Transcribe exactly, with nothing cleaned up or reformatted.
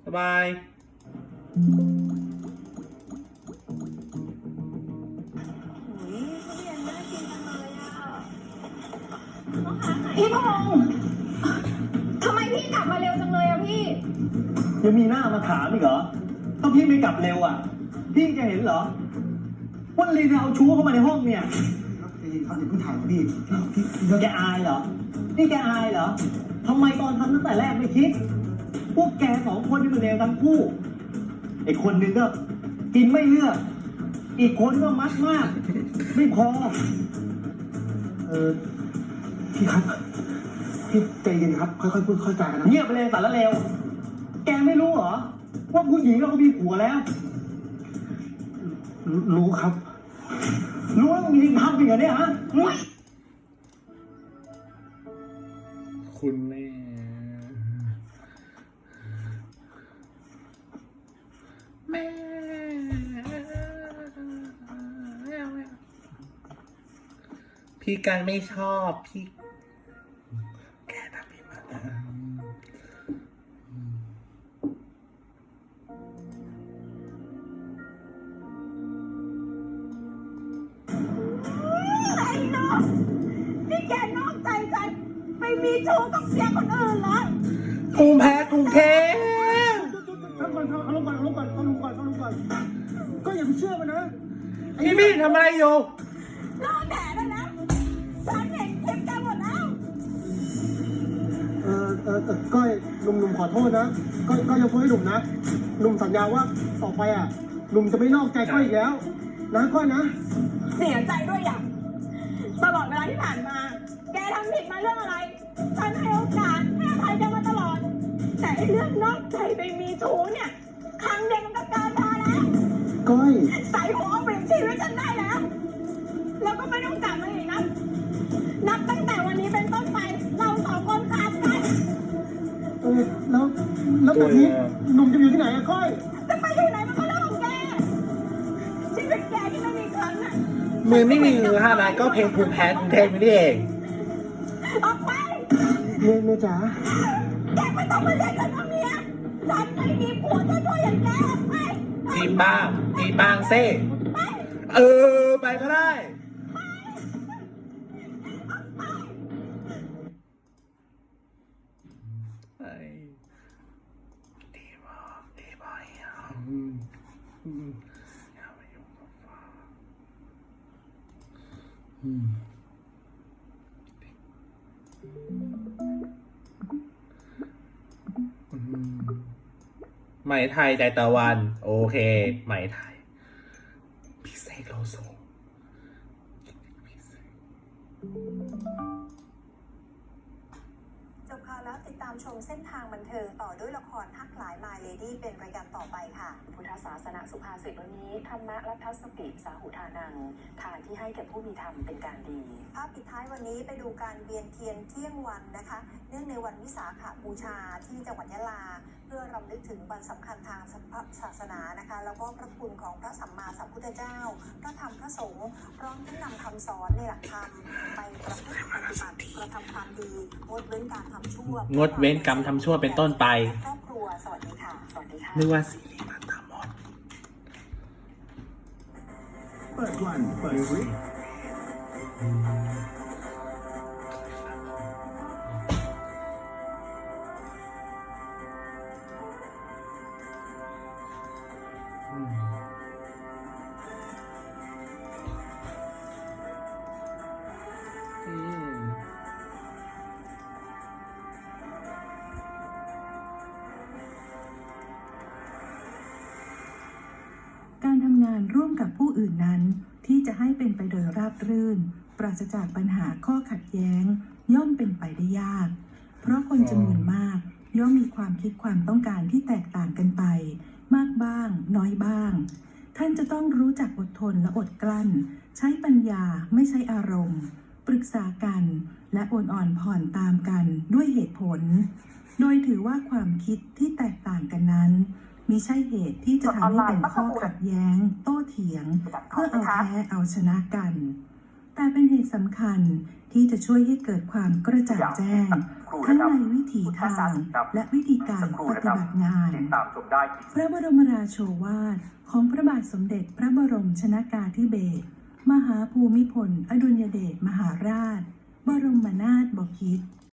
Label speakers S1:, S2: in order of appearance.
S1: สบาย
S2: พี่พงษ์ทำไมพี่กลับมาเร็วจังเลยอะพี่
S3: ยังมีหน้ามาถามอีกเหรอต้องพี่ไม่กลับเร็วอ่ะพี่จะเห็นเหรอว่าลีนเอาชู้เข้ามาในห้องเนี่ยเขาจะเพิ่งถ่ายพี่พี่แกอายเหรอนี่แกอายเหรอทำไมตอนทำตั้งแต่แรกไม่คิดพวกแกสองคนนี่มันเลวทั้งคู่ไอ้คนหนึ่งก็กินไม่เลือกอีกคนก็มัดมากไม่พอเออพี่ครับพี่ใจเย็นครับค่อยๆพูดค่อยๆจากันนะเงียบไปเลยสารเลวแกไม่รู้เหรอว่าผู้หญิงเราก็มีผัวแล้ว รู้ครับ รู้ว่ามีทำอีกเหรอเนี่ยฮะ
S1: คุณแม่แม่พี่การไม่ชอบพี่แกทำพี่มาแล้ว
S2: ไอ้น้องนี่แกนอกใจกันไปมีชู้กับเสียคนอื่นเหรอก
S1: รุงแพ้กรุงเทพ
S3: ฟังก่อนฟังลงก่อนลงก่อนฟังลงก่อนฟังลงก่อนก็อย่าไปเชื่อมันนะ
S1: พี่พี่ทำอะไรอยู่
S2: รอแผลได้แล้วฉันเห็นคลิปแกหมดแล้ว
S3: เออเออเออก้อยหนุ่มหนุ่มขอโทษนะก้อยก้อยยกโทษให้หนุ่มนะหนุ่มสัญญาว่าต่อไปอ่ะหนุ่มจะไม่นอกใจก้อยอีกแล้วนะก้อยนะ
S2: เสียใจด้วยอย่างตลอดเวลาที่ผ่านมา แกทำผิดมาเรื่องอะไร ฉันให้โอกาสให้อภัยแกมาตลอด แต่ไอ้เรื่องนอกใจไปมีชู้เนี่ย ครั้งเดียวมันก็เกินพอแล้ว
S3: ก้อย
S2: ใส่หัวเอาเปลี่ยนชีวิตฉันได้แล้ว แล้วก็ไม่ต้องกลับมาอีกนะ นับตั้งแต่วันนี้เป็นต้นไป เราสองคนขาดกัน
S3: เออแล้วแล้วแบบนี้หนุ่มจะอยู่ที่ไหนอะก้อย
S2: จะไปอยู่ไหนมันก็เรื่องของแก ชีวิตแกที่ไม่มีครั้งน่ะ
S1: มือไม่มีมือห้านัดก็เพลงภูมิแพ้กรุงเทพนี่เอง
S2: ออกไป
S3: เมียเมียจ๋า
S2: แกไม่ต้องมาเรียกฉันว่าเมียฉันไม่มีผัวเจ้าตัวอย่างแกออกไป
S1: จีบบ้างจีบบ้างเซ่เออ ไปก็ได้ไปดีมากดีไปอ่ะอืมอืมอย่าไปยุ่งกับฟ้าอืมอืมไหมไทยใจตะวัน โอเค ไหมไทย พี่เสกโลโซพี่เสก
S4: จบข่าวแล้วติดตามชมเส้นทางบันเทิงต่อด้วยละครฮักหลายมาเลดี้เป็นรายการต่อไปค่ะ
S5: พุทธศาสนาสุภาษิตวันนี้ธรรมะรัตสติสาหุทานังทานที่ให้แก่ผู้มีธรรมเป็นการดี
S4: ภาพปิดท้ายวันนี้ไปดูการเวียนเทียนเที่ยงวันนะคะ เนื่องในวันวิสาขบูชาที่จังหวัดยะลา เพื่อรำลึกถึงวันสำคัญทางศาสนานะคะ แล้วก็พระคุณของพระสัมมาสัมพุทธเจ้า พระธรรมพระสงฆ์พร้อมทั้งนำคำสอนในหลักธรรมไปประพฤติปฏิบัติกระทำความดีงดเว้นการทำชั่ว
S1: งดเว้นกรรมทำชั่วเป็นต้นไป
S4: ครอบครัวสวัสดีค่ะ
S5: สวัสดีค่ะ
S1: นึกว่าซีรีส์มาตามมด
S3: เปิดวันเปิดวิก
S6: การทำงานร่วมกับผู้อื่นนั้นที่จะให้เป็นไปโดยราบรื่น ปราศจากปัญหาข้อขัดแย้ง ย่อมเป็นไปได้ยาก เพราะคนจำนวนมากย่อมมีความคิดความต้องการที่แตกต่างกันไป มากบ้างน้อยบ้าง ท่านจะต้องรู้จักอดทนและอดกลั้น ใช้ปัญญาไม่ใช่อารมณ์ ปรึกษากันและโอนอ่อนผ่อนตามกันด้วยเหตุผล โดยถือว่าความคิดที่แตกต่างกันนั้นมิใช่เหตุที่จะทำให้เป็นข้อขัดแย้ง โต้เถียง เพื่อเอาแพ้เอาชนะกัน แต่เป็นเหตุสำคัญที่จะช่วยให้เกิดความกระจ่างแจ้ง
S7: ครู่
S6: ทั้ง
S7: นะครับ
S6: ในวิถีทางและวิธีการปฏิบัติงาน
S7: ติดตามชมได้
S6: พระบรมราโชวาทของพระบาทสมเด็จพระบรมชนกาธิเบศรมหาภูมิพลอดุลยเดชมหาราช บรมนาถบพิตร